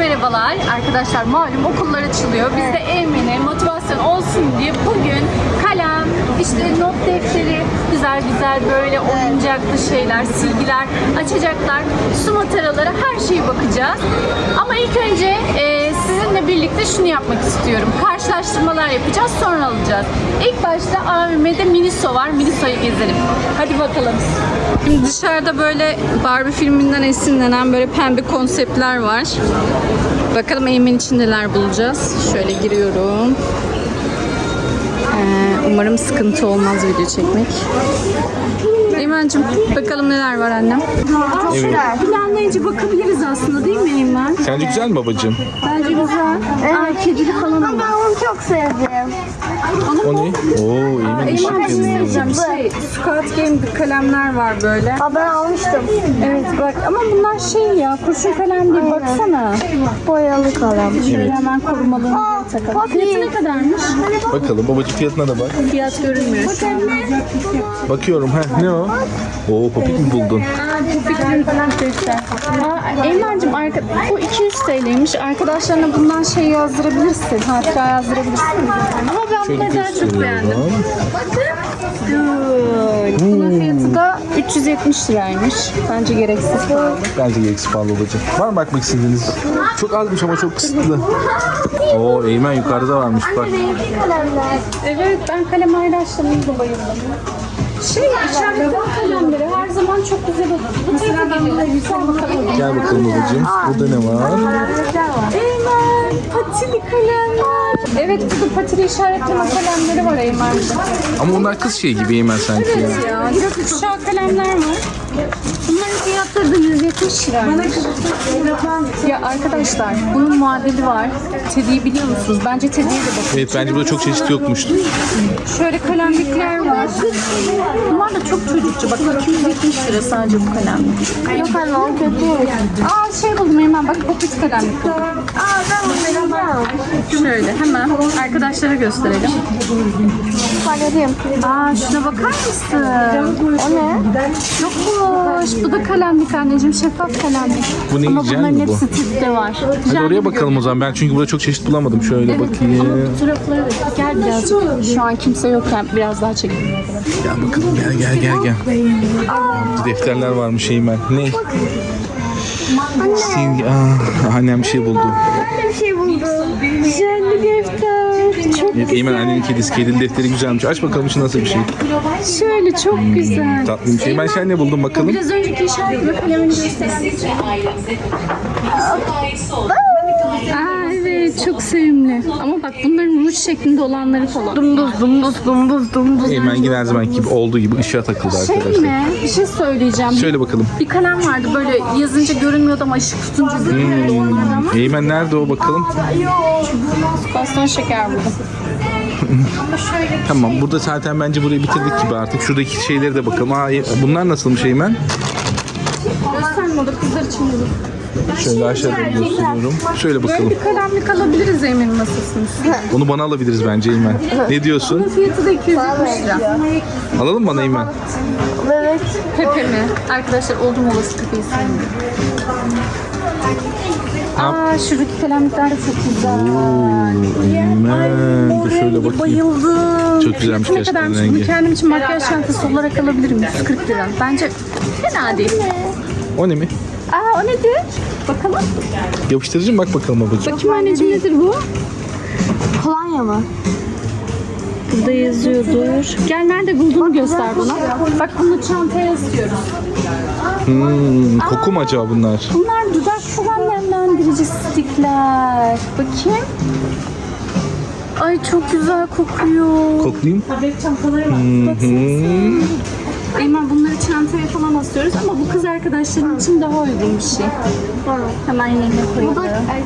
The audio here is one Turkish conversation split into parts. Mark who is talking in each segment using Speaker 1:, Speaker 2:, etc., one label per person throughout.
Speaker 1: merhabalar. Arkadaşlar malum okullar açılıyor. Biz de Eymen'e motivasyon olsun diye bugün kalem, işte not defteri, güzel güzel böyle oyuncaklı şeyler, silgiler açacaklar. Su mataraları, her şeye bakacağız. Ama ilk önce sizinle birlikte şunu yapmak istiyorum. Karşılaştırmalar yapacağız, sonra alacağız. İlk başta AVM'de Miniso var. Miniso'yu gezelim. Hadi bakalım. Şimdi dışarıda böyle Barbie filminden esinlenen böyle pembe konseptler var. Bakalım Eymen için neler bulacağız. Şöyle giriyorum. Umarım sıkıntı olmaz video çekmek. Eymen'cim bakalım neler var annem.
Speaker 2: Evet.
Speaker 1: Planlayınca bakabiliriz aslında, değil mi Eymen?
Speaker 2: Sence güzel mi babacığım?
Speaker 1: Bence güzel. Aa, kedili falan ama.
Speaker 3: Ben onu çok sevdim.
Speaker 2: O ne? Oo, iyi mi?
Speaker 1: Eymen söyleyeceğim. Squid Game kalemler var böyle.
Speaker 3: Aa, ben almıştım.
Speaker 1: Evet bak, ama bunlar şey ya, kurşun kalem değil, baksana.
Speaker 3: Boyalı kalem.
Speaker 1: Şöyle hemen korumalarını takalım. Fiyatı ne kadarmış?
Speaker 2: Bakalım babacığım, fiyatına da bak.
Speaker 1: Fiyat görünmüyor şu an.
Speaker 2: Bakıyorum. Ne o? Oo, popik mi buldun?
Speaker 1: Popik'in falan göster. Eymen'cim bu 200 TL'ymiş. Arkadaşlarına bundan şey yazdırabilirsin. Hatıra yazdırabilirsin. Ama ben
Speaker 2: Şöyle
Speaker 1: bunu daha çok beğendim.
Speaker 2: gösteriyorum.
Speaker 1: Bunun fiyatı da 370 liraymış. Bence gereksiz pahalı.
Speaker 2: Bence gereksiz pahalı babacığım. Var mı bakmak istediğiniz? Çok azmış ama çok kısıtlı. Oo, Eymen yukarıda varmış bak.
Speaker 3: Kalemler.
Speaker 1: Evet, ben kalem ayraçlarına da bayıldım. İşaretli kalemleri her zaman çok güzel olur. Mesela ben buna güzel bakalım.
Speaker 2: Gel bakalım babacığım. Burada ne var?
Speaker 1: Eymen, patili kalemler. Evet, burada patili işaretleme kalemleri var Eymen'de.
Speaker 2: Ama onlar kız şey gibi Eymen sanki ya.
Speaker 1: Ya, gökkuşağı kalemler var. Bunların fiyatları da 170 liraymış. Ya arkadaşlar, bunun muadili var. Teddy'yi biliyor musunuz? Bence Teddy'ye de bakın.
Speaker 2: Evet, bence burada çok çeşit yokmuştu.
Speaker 1: Şöyle kalemlikler var. Bunlar da çok çocukça. Bak 270 lira sadece bu kalemlik.
Speaker 3: Yok anne, o kötü.
Speaker 1: Aa, şey buldum hemen, bak popit kalemlik buldum.
Speaker 3: Aa, ben onu vereceğim.
Speaker 1: Şöyle hemen arkadaşlara gösterelim.
Speaker 3: Paralıyım.
Speaker 1: Aa, şuna bakar mısın?
Speaker 3: O ne?
Speaker 1: Yokmuş. Bu da kalemlik anneciğim, şeffaf kalemlik.
Speaker 2: Bu ne,
Speaker 1: Ama
Speaker 2: jel
Speaker 1: bunların
Speaker 2: mi bu?
Speaker 1: hepsi tipte var.
Speaker 2: Hadi oraya bakalım o zaman. Ben çünkü burada çok çeşit bulamadım. Şöyle bakayım.
Speaker 1: Fotoğrafları gel birazcık. Şu an kimse yokken biraz daha çekelim.
Speaker 2: Gel bakalım, gel. Defterler varmış Eymen. Ne? Silgi. Annem bir şey buldu.
Speaker 3: Ben de bir şey buldum.
Speaker 1: Jelli defter. Çok
Speaker 2: Evet, Eymen annenin kedisi. Kedili defteri güzelmiş. Aç bakalım şu nasıl bir şey.
Speaker 1: şöyle, çok güzel.
Speaker 2: Tatlı bir şey. Eymen sen ne buldun bakalım?
Speaker 1: Biraz önceki işaretli kalemini gösterelim. Aa, evet, çok sevimli. Ama bak bunların ruj şeklinde olanları falan. Dumduz.
Speaker 2: Eymen yine her zaman gibi olduğu gibi ışığa takıldı
Speaker 1: Şey
Speaker 2: arkadaşlar.
Speaker 1: mi? Bir şey söyleyeceğim.
Speaker 2: Söyle bakalım.
Speaker 1: Bir kalem vardı, böyle yazınca görünmüyordu ama ışık tutunca görünüyordu, onlardan ama.
Speaker 2: Eymen nerede o bakalım?
Speaker 1: Baston şeker buldum.
Speaker 2: Tamam, burada zaten bence burayı bitirdik gibi artık. Şuradaki şeylere de bakalım. Bunlar nasılmış Eymen?
Speaker 1: Gösterme, o da kızlar için buldum.
Speaker 2: Şöyle aşağıda gösteriyorum. Söyle
Speaker 1: Böyle
Speaker 2: bakalım.
Speaker 1: bir kalemlik alabiliriz Emin'in masasının üstüne.
Speaker 2: Onu bana alabiliriz bence Eymen. Ne diyorsun?
Speaker 1: Bunun fiyatı da 270 lira.
Speaker 2: Alalım bana Eymen.
Speaker 3: Evet.
Speaker 1: Pepe mi? Arkadaşlar oldum olası Pepe'yi sevmiyorum. Aa, şuradaki kalemlikler de çok güzel.
Speaker 2: Eymen. Dur şöyle bakayım.
Speaker 1: Bayıldım.
Speaker 2: Çok güzelmiş
Speaker 1: Fiyatı ne
Speaker 2: gerçekten
Speaker 1: kadarmış?
Speaker 2: rengi.
Speaker 1: Bunu kendim için makyaj çantası olarak alabilirim. 140 lira. Bence fena değil.
Speaker 2: O ne mi?
Speaker 1: Aa, o nedir? Bakalım.
Speaker 2: Yapıştırıcı mı? Bak bakalım babacığım.
Speaker 1: Bakayım anneciğim, nedir bu?
Speaker 3: Kolonya mı?
Speaker 1: Burada yazıyordur. Gel, nerede bulduğunu göster bana. Bak, bunu çantaya istiyoruz.
Speaker 2: Koku mu acaba bunlar?
Speaker 1: Bunlar dudak falan nemlendirici stikler. Bakayım. Ay, çok güzel kokuyor.
Speaker 2: Koklayayım.
Speaker 1: Bebek çantaları var. Baksanıza. Eymen, bunları çantaya falan asıyoruz ama bu kız arkadaşlarım için daha uygun bir şey. Hemen yerine koyuyorum.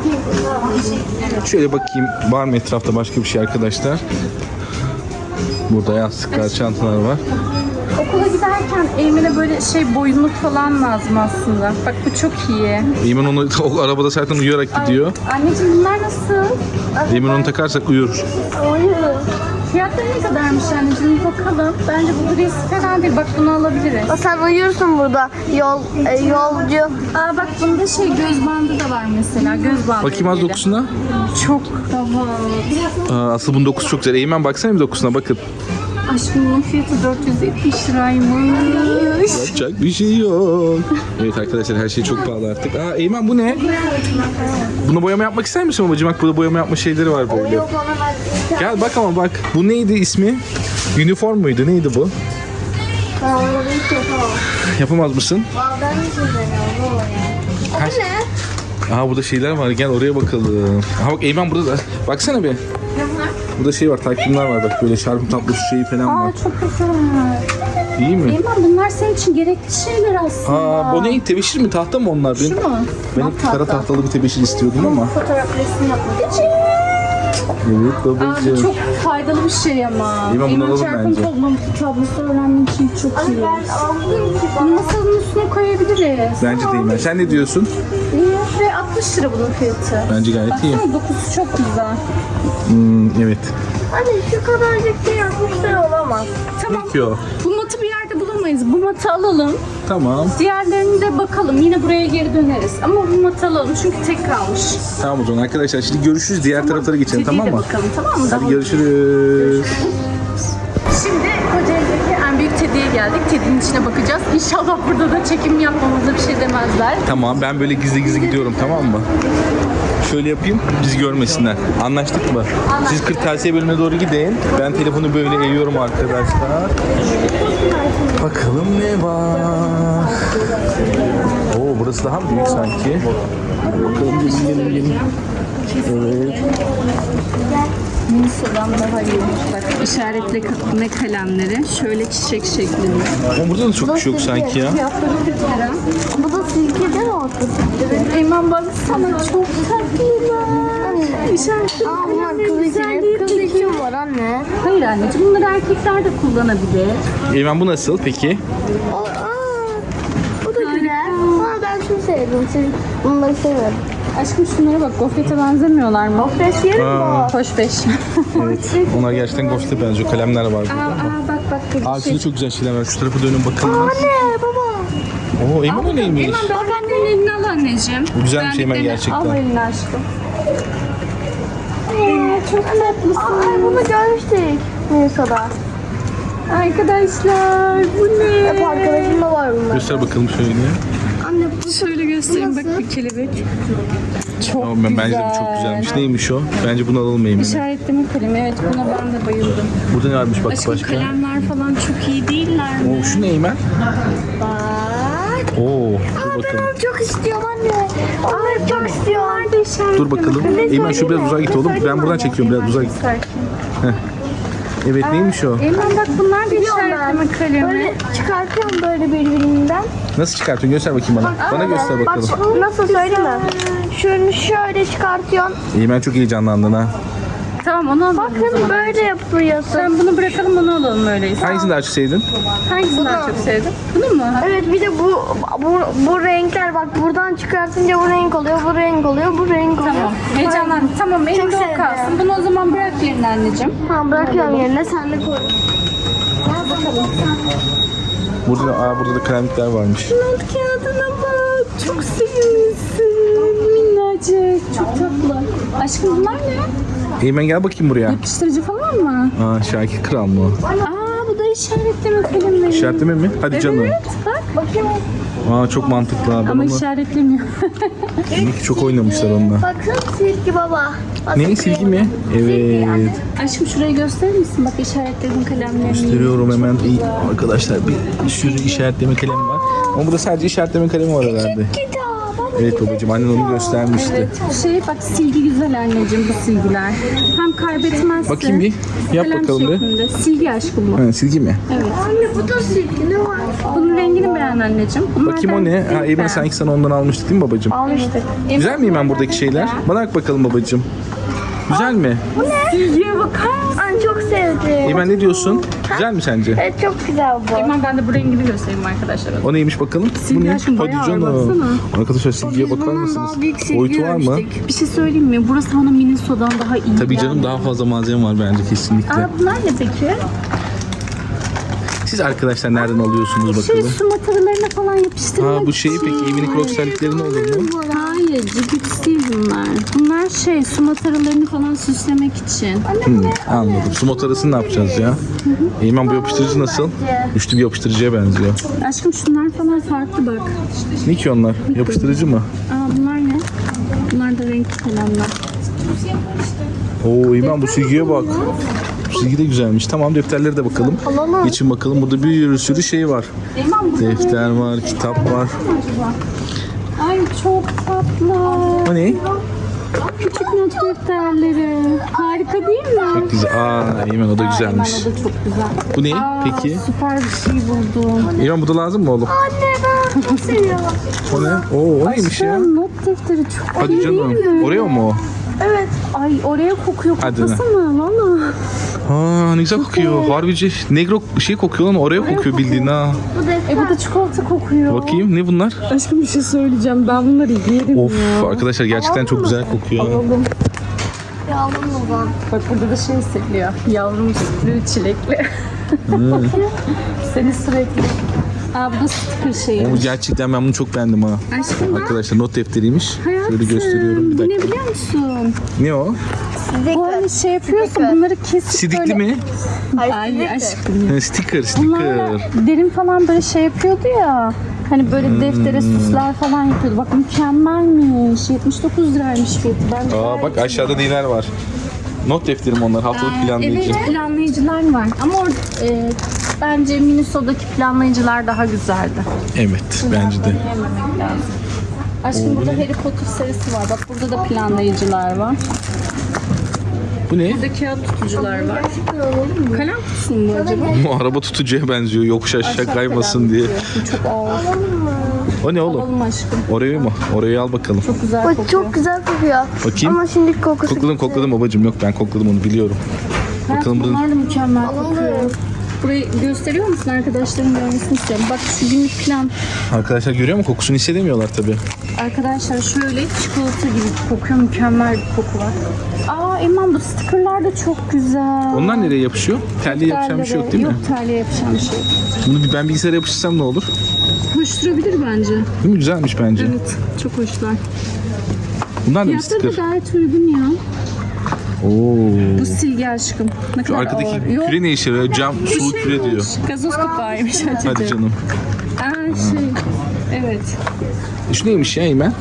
Speaker 2: Şöyle bakayım. Var mı etrafta başka bir şey arkadaşlar? Burada yastıklar, çantalar var.
Speaker 1: Okula giderken Eymen'e böyle boyunluk falan lazım aslında. Bak, bu çok iyi.
Speaker 2: Eymen onu o arabada zaten uyuyarak gidiyor.
Speaker 1: Anneciğim, bunlar nasıl?
Speaker 2: Eymen onu takarsak uyur.
Speaker 3: Oyun.
Speaker 1: Fiyatları ne kadarmış anneciğim? Bakalım. Bence bu gris fena değil. Bak bunu alabiliriz.
Speaker 3: Sen uyursun burada. Yolcu.
Speaker 1: Aa bak bunda göz bandı da var mesela. Göz bandı.
Speaker 2: Bakayım az dokusuna.
Speaker 1: Çok daha.
Speaker 2: Asıl bunun dokusu çok güzel. Eymen baksana bir dokusuna bakın.
Speaker 1: Aşkım bunun fiyatı 470 liraymış.
Speaker 2: Yapacak bir şey yok. Evet arkadaşlar her şey çok pahalı artık. Aa Eymen bu ne? Bunu boyama yapmak ister misin babacığım? Bak burada boyama yapma şeyleri var böyle. Gel bak ama bak. Bu neydi ismi? Uniform muydu? Neydi bu? Yapamaz mısın?
Speaker 3: Ben hiç izlemiyorum. Bu ne?
Speaker 2: Aha burada şeyler var. Gel oraya bakalım. Aha bak Eymen burada da. Baksana bir. Burada şey var. Takvimler var bak. Böyle şarkı tablosu şeyi falan var.
Speaker 1: Aa çok güzel.
Speaker 2: İyi mi?
Speaker 1: Eymen bunlar senin için gerekli şeyler aslında.
Speaker 2: Aa bu ne? Tebeşir mi? Tahta mı onlar?
Speaker 1: Şu mu?
Speaker 2: Ben hep kara tahtalı bir tebeşir istiyordum ama.
Speaker 1: Fotoğraf resim yapmak için.
Speaker 2: Evet
Speaker 1: Aa, bu
Speaker 2: babacığım.
Speaker 1: çok faydalı bir şey ama.
Speaker 2: Eymen, bunu alalım
Speaker 1: çarpım
Speaker 2: bence.
Speaker 1: tablosu öğrenmek için çok iyi. Bunu masanın üstüne koyabiliriz.
Speaker 2: Bence de Eymen. Sen ne diyorsun?
Speaker 1: Ve 60 lira bunun fiyatı.
Speaker 2: Bence gayet iyi.
Speaker 1: Baksana dokusu çok güzel.
Speaker 2: Evet.
Speaker 3: Anne şu kadarcık şey yapmışlar olamaz.
Speaker 1: Tamam.
Speaker 2: Peki o.
Speaker 1: Bu matı bir yerde bulamayız. Bu matı alalım.
Speaker 2: Tamam.
Speaker 1: Diğerlerini de bakalım. Yine buraya geri döneriz. Ama bu matı alalım çünkü tek kalmış.
Speaker 2: Tamam o zaman arkadaşlar. Şimdi görüşürüz. Diğer taraflara geçelim
Speaker 1: Kediye
Speaker 2: tamam
Speaker 1: de
Speaker 2: mı?
Speaker 1: bakalım tamam mı?
Speaker 2: Hadi
Speaker 1: Daha-
Speaker 2: görüşürüz.
Speaker 1: Şimdi Kocaeli'deki en büyük Teddy'ye geldik. Teddy'nin içine bakacağız. İnşallah burada da çekim yapmamıza bir şey demezler.
Speaker 2: Tamam ben böyle gizli gizli gidiyorum tamam mı? Şöyle yapayım bizi görmesinler. Anlaştık mı? Siz kırtasiye bölümüne doğru gidin. Ben telefonu böyle eğiyorum arkadaşlar. Bakalım ne var? Oo burası daha mı büyük sanki? Bakalım gelin. Evet.
Speaker 1: Nisa'dan daha iyi. Bak işaretleme kalemleri. Şöyle çiçek şeklinde.
Speaker 2: Ama burada da çok bir şey yok sanki ya.
Speaker 1: Fiyatları 40 lira.
Speaker 3: Bu da silke değil mi ortası?
Speaker 1: Evet. Eymen baksana çok tatlılar. İşaretleme
Speaker 3: Aa bunlar
Speaker 1: kalemleri
Speaker 3: kız
Speaker 1: güzel
Speaker 3: için.
Speaker 1: değil
Speaker 3: Kız
Speaker 1: mi?
Speaker 3: için var anne.
Speaker 1: Hayır anneciğim bunları erkekler de kullanabilir.
Speaker 2: Eymen bu nasıl peki?
Speaker 3: Bu da güzel. Ama ben şunu sevdim. Bunları seviyorum.
Speaker 1: Aşkım şunlara bak gofrete benzemiyorlar mı?
Speaker 3: Gofret yerim bu.
Speaker 1: Hoş beş.
Speaker 2: Evet. Onlar gerçekten ghost'e benziyor. Kalemler var
Speaker 1: aa,
Speaker 2: burada.
Speaker 1: aa bak bak.
Speaker 2: Aa şurada çok güzel şeyler var. Şu tarafa dönün bakalım.
Speaker 3: Anne baba.
Speaker 2: Oo Eymen o neymiş?
Speaker 1: Eymen bak annenin elini al anneciğim.
Speaker 2: Bu güzelmiş Eymen
Speaker 1: Beğendiklerini
Speaker 2: gerçekten.
Speaker 1: Al elini aşkım. Çok tatlısın.
Speaker 3: Ay bunu görmüştük. Nisa'da.
Speaker 1: Arkadaşlar bu ne?
Speaker 3: Hep arkadaşımda var bunlar.
Speaker 2: Göster bakalım şöyle.
Speaker 3: Anne
Speaker 1: Şöyle göstereyim bak bir kelebek. Çok
Speaker 2: Tamam ben bence de bu çok güzelmiş. Neymiş o? Bence bunu alalım Eymen'e.
Speaker 1: İşaretleme kalemi. Evet buna ben de bayıldım.
Speaker 2: Burada ne varmış bak
Speaker 1: Aşkım
Speaker 2: başka?
Speaker 1: kalemler falan çok iyi değiller mi?
Speaker 2: Oo şu ne Eymen?
Speaker 3: bak.
Speaker 2: Oo dur bakalım.
Speaker 3: Ben çok istiyorum anne. Onları çok istiyorum.
Speaker 2: Dur bakalım. Eymen şu biraz uzağa git oğlum. Ben buradan çekiyorum biraz uzağa git. Evet neymiş o?
Speaker 1: Eymen bak bunlar da işaretleme kalemi.
Speaker 3: Böyle çıkartıyorum böyle birbirinden.
Speaker 2: Nasıl çıkartıyorsun? Göster bakayım bana. Bana göster
Speaker 3: Bak
Speaker 2: bakalım.
Speaker 3: nasıl söyleyeyim mi? Şunu şöyle çıkartıyorsun.
Speaker 2: Eymen çok heyecanlandın ha.
Speaker 1: Tamam onu alalım o
Speaker 3: Bakın
Speaker 1: zaman.
Speaker 3: böyle yapıyorsun.
Speaker 1: Sen bunu bırakalım onu alalım öyleyse.
Speaker 2: Hangisini daha çok sevdin?
Speaker 1: Hangisini daha çok sevdin? Bunu mu?
Speaker 3: Evet bir de bu renkler bak buradan çıkartınca bu renk oluyor, bu renk oluyor, bu renk oluyor.
Speaker 1: Tamam. Heyecanlandım. Tamam elimde o
Speaker 3: sevdim.
Speaker 1: kalsın. Bunu o zaman bırak yerine anneciğim.
Speaker 3: Tamam bırakıyorum yerine sen de koy.
Speaker 2: Burada da kalemlikler varmış.
Speaker 1: Not kağıdına bak. Çok sevimlisin. Minnacık. Çok tatlı. Aşkım bunlar ne?
Speaker 2: Eymen gel bakayım buraya.
Speaker 1: Yapıştırıcı falan mı?
Speaker 2: Aa Şakir Kral mı o?
Speaker 1: Aa bu da işaretleme kalemleri.
Speaker 2: İşaretleme mi? Hadi canım.
Speaker 1: Evet bak.
Speaker 3: Bakayım.
Speaker 2: Aa çok mantıklı abi.
Speaker 1: Ama
Speaker 2: Ama
Speaker 1: işaretlemiyor.
Speaker 2: demek ki çok oynamışlar onunla.
Speaker 3: Bakın silgi baba. Bak,
Speaker 2: Ne silgi mi? Evet.
Speaker 1: Aşkım şurayı gösterir misin? Bak işaretledim kalemlerini.
Speaker 2: Gösteriyorum hemen. İyi, arkadaşlar bir sürü işaretleme kalemi var. Ama burada sadece işaretleme kalemi var herhalde. Evet babacığım annen onu göstermişti.
Speaker 1: Evet. Bak silgi güzel anneciğim bu silgiler. Hem kaybetmezsin.
Speaker 2: Bakayım bir. Yap
Speaker 1: Kalem
Speaker 2: bakalım bir.
Speaker 1: şeklinde. Silgi aşkım bu.
Speaker 2: Ha, silgi mi?
Speaker 1: Evet.
Speaker 3: Anne bu da silgi ne var?
Speaker 1: Bunun rengini beğen anneciğim.
Speaker 2: Bakayım o ne? Ha Eymen sanki sana ondan almıştık değil mi babacığım?
Speaker 3: Almıştık.
Speaker 2: Güzel mi Eymen buradaki şeyler? Bana bak bakalım babacığım. Güzel mi?
Speaker 1: Silgiye bakar mısın?
Speaker 3: Ay çok sevdim.
Speaker 2: Eymen ne diyorsun? Güzel mi sence?
Speaker 3: Evet çok güzel bu.
Speaker 1: Hemen ben de bu rengini göstereyim arkadaşlar.
Speaker 2: O neymiş bakalım?
Speaker 1: Silgi
Speaker 2: Bu ne?
Speaker 1: aşkım bayağı ağır, baksana.
Speaker 2: Arkadaşlar silgiye bakar
Speaker 1: Bundan
Speaker 2: mısınız?
Speaker 1: daha büyük silgi
Speaker 2: Boyutu var mı?
Speaker 1: görmüştük. Bir şey söyleyeyim mi? Burası bana Miniso'dan daha iyi
Speaker 2: Tabii canım
Speaker 1: geldi.
Speaker 2: daha fazla malzeme var bence kesinlikle.
Speaker 1: Aa, bunlar ne peki?
Speaker 2: Siz arkadaşlar nereden alıyorsunuz
Speaker 1: Şey
Speaker 2: bakalım?
Speaker 1: su mataralarına falan yapıştırmak
Speaker 2: Ha bu şeyi
Speaker 1: için.
Speaker 2: peki evinin crocs terlikleri ne olur mu?
Speaker 1: Hayır, cipit değil bunlar. Bunlar şey su mataralarını falan süslemek için.
Speaker 2: Anladım. Su motorasını ne yapacağız ya? Eymen bu yapıştırıcı nasıl? Üçlü bir yapıştırıcıya benziyor.
Speaker 1: Aşkım şunlar falan farklı bak.
Speaker 2: Ne ki onlar? Yapıştırıcı mı?
Speaker 1: Aa bunlar ne? Bunlar da renkli kalemler.
Speaker 2: Oo Eymen bu silgiye bak. Bu silgi de güzelmiş. Tamam defterlere de bakalım. Geçin bakalım. Burada bir sürü şey var. Defter var, kitap var.
Speaker 1: Ay çok tatlı.
Speaker 2: O ne?
Speaker 1: Küçük not defterleri. Harika değil mi?
Speaker 2: Çok güzel. Aa Eymen o da güzelmiş.
Speaker 1: Eymen, o da çok güzel.
Speaker 2: Bu ne
Speaker 1: Aa,
Speaker 2: peki?
Speaker 1: Süper bir şey buldum.
Speaker 2: Eymen bu da lazım mı oğlum?
Speaker 3: Anne ben çok seviyorum.
Speaker 2: O ne? Oo o neymiş ya?
Speaker 1: Aşkım, not defteri çok
Speaker 2: Hadi
Speaker 1: iyi
Speaker 2: canım.
Speaker 1: değil mi?
Speaker 2: Oraya mı o?
Speaker 3: Evet.
Speaker 1: Ay oraya kokuyor.
Speaker 2: Hadi
Speaker 1: Koklasana valla.
Speaker 2: Aa ne güzel kokuyor. Harbici negro şey kokuyor lan oraya kokuyor bildiğin ha.
Speaker 3: Bu defter.
Speaker 1: Bu da çikolata kokuyor.
Speaker 2: Bakayım ne bunlar?
Speaker 1: Aşkım bir şey söyleyeceğim. Ben bunları yerim
Speaker 2: Of
Speaker 1: ya.
Speaker 2: arkadaşlar gerçekten çok güzel kokuyor.
Speaker 1: Alalım.
Speaker 3: Yavrum babam.
Speaker 1: Bak burada da şey hissediliyor. Yavrum sütlü çilekli. Seni sürekli. Aa bu da sticker şeyi.
Speaker 2: Ama gerçekten ben bunu çok beğendim ha.
Speaker 1: Aşkım bak.
Speaker 2: Arkadaşlar not defteriymiş.
Speaker 1: Hayatım,
Speaker 2: Şöyle gösteriyorum bir
Speaker 1: bu ne
Speaker 2: dakika.
Speaker 1: biliyor musun?
Speaker 2: Ne o?
Speaker 1: Bu hani şey yapıyorsun bunları kesip
Speaker 2: Sidikli
Speaker 1: böyle...
Speaker 2: mi?
Speaker 1: Ay aşkım.
Speaker 2: Ha, sticker,
Speaker 1: Bunlarla
Speaker 2: sticker.
Speaker 1: derin falan böyle şey yapıyordu ya. Hani böyle deftere süsler falan yapıyordu. Bak mükemmelmiş. 79 liraymış fiyatı. Ben
Speaker 2: Aa bak aşağıda neler var. Not defterim onlar haftalık planlayıcı.
Speaker 1: Evet planlayıcılar var. Ama bence Miniso'daki planlayıcılar daha güzeldi.
Speaker 2: Evet bence de.
Speaker 1: Yememek lazım. Aşkım burada Harry Potter serisi var. Bak burada da planlayıcılar var.
Speaker 2: Bu ne?
Speaker 1: Burada kağıt tutucular var. Kalem kutusu mu bu acaba?
Speaker 2: Bu araba tutucuya benziyor yokuş aşağı kaymasın diye.
Speaker 1: Bu çok ağır.
Speaker 2: O ne oğlum?
Speaker 1: Alalım aşkım.
Speaker 2: Orayı mı? Orayı al bakalım.
Speaker 1: Çok güzel
Speaker 3: Bu
Speaker 1: kokuyor.
Speaker 3: çok güzel kokuyor.
Speaker 2: Bakayım.
Speaker 3: Ama şimdi kokusu
Speaker 2: Kokladım babacığım yok ben kokladım onu biliyorum. Bakalım burada.
Speaker 1: Bunlar da mükemmel kokuyor. Burayı gösteriyor musun arkadaşların görmesini istiyorum. Bak şu günlük plan.
Speaker 2: Arkadaşlar görüyor mu kokusunu hissedemiyorlar tabii.
Speaker 1: Arkadaşlar şöyle çikolata gibi kokuyor. Mükemmel bir koku var. Aa Eman bu stickerlar da çok güzel.
Speaker 2: Onlar nereye yapışıyor? Terliğe yapışan bir şey yok değil mi?
Speaker 1: Yok terliğe yapışan bir şey.
Speaker 2: Bunu ben bilgisayara yapıştırsam ne olur?
Speaker 1: Hoş durabilir bence.
Speaker 2: Değil mi? Güzelmiş bence.
Speaker 1: Evet çok hoşlar.
Speaker 2: Bunlar da bir
Speaker 1: Fiyatları da
Speaker 2: sticker.
Speaker 1: gayet uygun ya.
Speaker 2: Oo.
Speaker 1: Bu silgi aşkım. Ne
Speaker 2: Şu
Speaker 1: kadar
Speaker 2: arkadaki
Speaker 1: ağır. Yok,
Speaker 2: küre ne işe yarıyor? Cam,
Speaker 1: bu
Speaker 2: sulu
Speaker 1: şey
Speaker 2: küre diyor.
Speaker 1: olmuş. Gazoz kapağıymış Hatice.
Speaker 2: Hadi canım.
Speaker 1: Aa şey. Evet.
Speaker 2: Şu neymiş ya Eymen?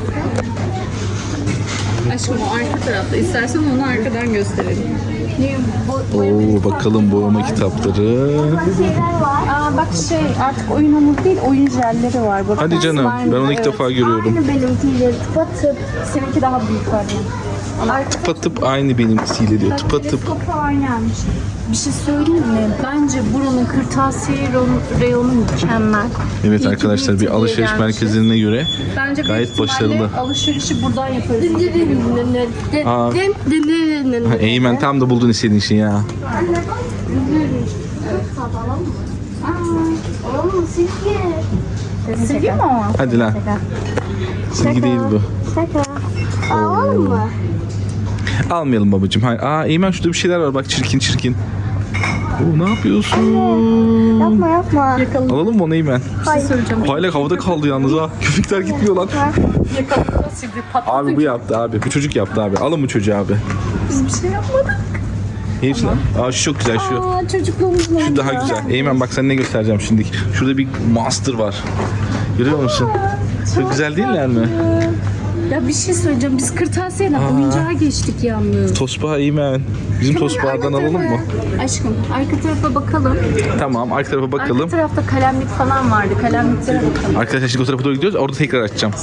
Speaker 1: Aşkım o arka tarafta. İstersen onu arkadan gösterelim.
Speaker 2: Oo bakalım boyama kitapları.
Speaker 3: şeyler var.
Speaker 1: Aa bak şey artık oyun hamuru değil oyun jelleri var. Bak,
Speaker 2: Hadi canım ben onu ilk defa görüyorum.
Speaker 3: Aynı benimkiyle tıpatıp.
Speaker 1: Seninki daha büyük var yani.
Speaker 2: Tıpatıp aynı benimkisiyle diyor. Tıpatıp.
Speaker 1: Teleskopu aynıymış. Bir şey söyleyeyim mi? Bence buranın kırtasiye reyonu mükemmel.
Speaker 2: Evet
Speaker 1: İyi ki
Speaker 2: arkadaşlar bir
Speaker 1: Beauty'ye
Speaker 2: alışveriş
Speaker 1: gelmişiz.
Speaker 2: merkezine göre
Speaker 1: Bence
Speaker 2: gayet
Speaker 1: büyük ihtimalle
Speaker 2: başarılı.
Speaker 1: alışverişi buradan yaparız.
Speaker 2: Aa. Ha, Eymen tam da buldun istediğin şeyi ya.
Speaker 3: Oğlum silgi.
Speaker 1: Silgi mi o?
Speaker 2: Hadi lan. Silgi değil bu.
Speaker 3: Şaka. Alalım mı?
Speaker 2: Almayalım babacığım. Hayır. Aa Eymen şurada bir şeyler var bak çirkin çirkin. Oo, ne yapıyorsun?
Speaker 3: Yapma yapma.
Speaker 2: Alalım mı onu Eymen?
Speaker 1: Bir şey söyleyeceğim.
Speaker 2: Hala havada kaldı yalnız ha. Köpekler gitmiyor lan.
Speaker 1: Yakaladığında silgi patladı.
Speaker 2: Abi bu yaptı abi. Bu çocuk yaptı abi. Alın bu çocuğu abi.
Speaker 1: Biz bir şey yapmadık.
Speaker 2: Hepsi lan. Aa şu çok güzel şu.
Speaker 1: Aa çocukluğumuzun
Speaker 2: Şu daha güzel. Eymen bak sana ne göstereceğim şimdi. Şurada bir monster var. Görüyor musun? Çok güzel değiller mi?
Speaker 1: Ya bir şey söyleyeceğim. Biz kırtasiyeden oyuncağa geçtik yalnız.
Speaker 2: Tosbağa Eymen. Bizim tosbağadan alalım mı?
Speaker 1: Aşkım arka tarafa bakalım.
Speaker 2: Tamam arka tarafa bakalım.
Speaker 1: Arka tarafta kalemlik falan vardı. Kalemliklere bakalım.
Speaker 2: Arkadaşlar şimdi o tarafa doğru gidiyoruz. Orada tekrar açacağım.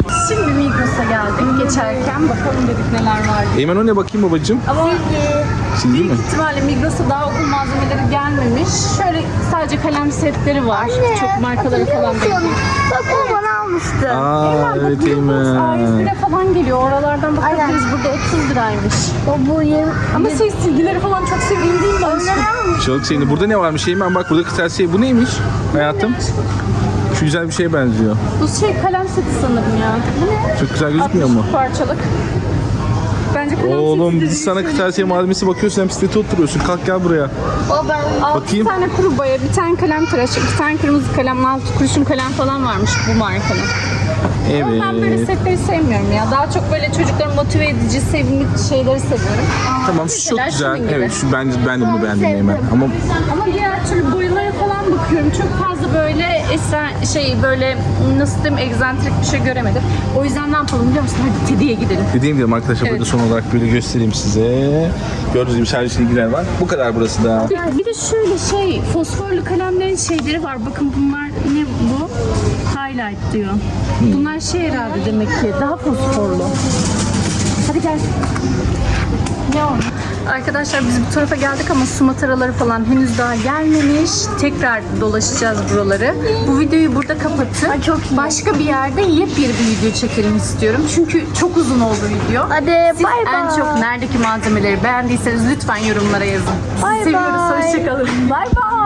Speaker 1: Şimdi Migros'a geldik. Geçerken bakalım dedik neler var.
Speaker 2: Eymen o ne bakayım babacığım?
Speaker 1: Ama
Speaker 3: Silgi.
Speaker 2: Sildi mi?
Speaker 1: Büyük ihtimalle Migros'a daha okul malzemeleri gelmemiş. Şöyle sadece kalem setleri var. Çok markaları falan değil.
Speaker 3: Bak o bana almıştı.
Speaker 2: Aa evet
Speaker 1: Migros
Speaker 2: Eymen.
Speaker 1: A101'e falan geliyor. Oralardan bakabiliriz. Burada 30 liraymış.
Speaker 3: Bu yem.
Speaker 1: Ama silgileri falan çok sevimli değil mi?
Speaker 2: Çok sevindi. Burada ne varmış Eymen? Bak burada kırtasiye. Bu neymiş hayatım? Şu güzel bir şeye benziyor.
Speaker 1: Bu kalem seti sanırım ya. Bu ne?
Speaker 2: Çok güzel gözükmüyor mu?
Speaker 1: 60 parçalık. Bence kalem
Speaker 2: Oğlum
Speaker 1: seti
Speaker 2: biz sana kırtasiye malzemesi bakıyorsun, hem sitete oturuyorsun. Kalk gel buraya.
Speaker 3: O ben.
Speaker 2: Bakayım.
Speaker 1: Bir tane kuru boya, bir tane kalem tıraşı, bir tane kırmızı kalem, 6 kurşun kalem falan varmış bu markanın. Ama ben böyle
Speaker 2: Evet.
Speaker 1: setleri sevmiyorum ya. Daha çok böyle çocukları motive edici, sevimli şeyleri seviyorum.
Speaker 2: Tamam şu çok
Speaker 1: Mesela
Speaker 2: güzel.
Speaker 1: şunun gibi.
Speaker 2: Evet şu ben de bunu beğendim Eymen. Ama
Speaker 1: Ama diğer türlü boyalara falan bakıyorum. Çok fazla böyle böyle nasıl diyeyim, egzantrik bir şey göremedim. O yüzden ne yapalım biliyor musun? Hadi Teddy'ye gidelim.
Speaker 2: dediğim gibi arkadaşlar
Speaker 1: Evet.
Speaker 2: burada son olarak böyle göstereyim size. Gördüğünüz gibi servis ilgiler var. Bu kadar burası da.
Speaker 1: Bir de şöyle fosforlu kalemlerin şeyleri var. Bakın bunlar ne bu? Highlight diyor. Bunlar herhalde demek ki daha fosforlu. Hadi gel. Ne oldu? Arkadaşlar biz bu tarafa geldik ama su mataraları falan henüz daha gelmemiş. Tekrar dolaşacağız buraları. Bu videoyu burada kapatıp başka bir yerde yepyeni bir video çekelim istiyorum. Çünkü çok uzun oldu video.
Speaker 3: Hadi
Speaker 1: Siz
Speaker 3: bay
Speaker 1: en
Speaker 3: bay.
Speaker 1: çok neredeki malzemeleri beğendiyseniz lütfen yorumlara yazın.
Speaker 3: Bay
Speaker 1: Sizi seviyoruz.
Speaker 3: bay.
Speaker 1: Hoşçakalın. Bay bay.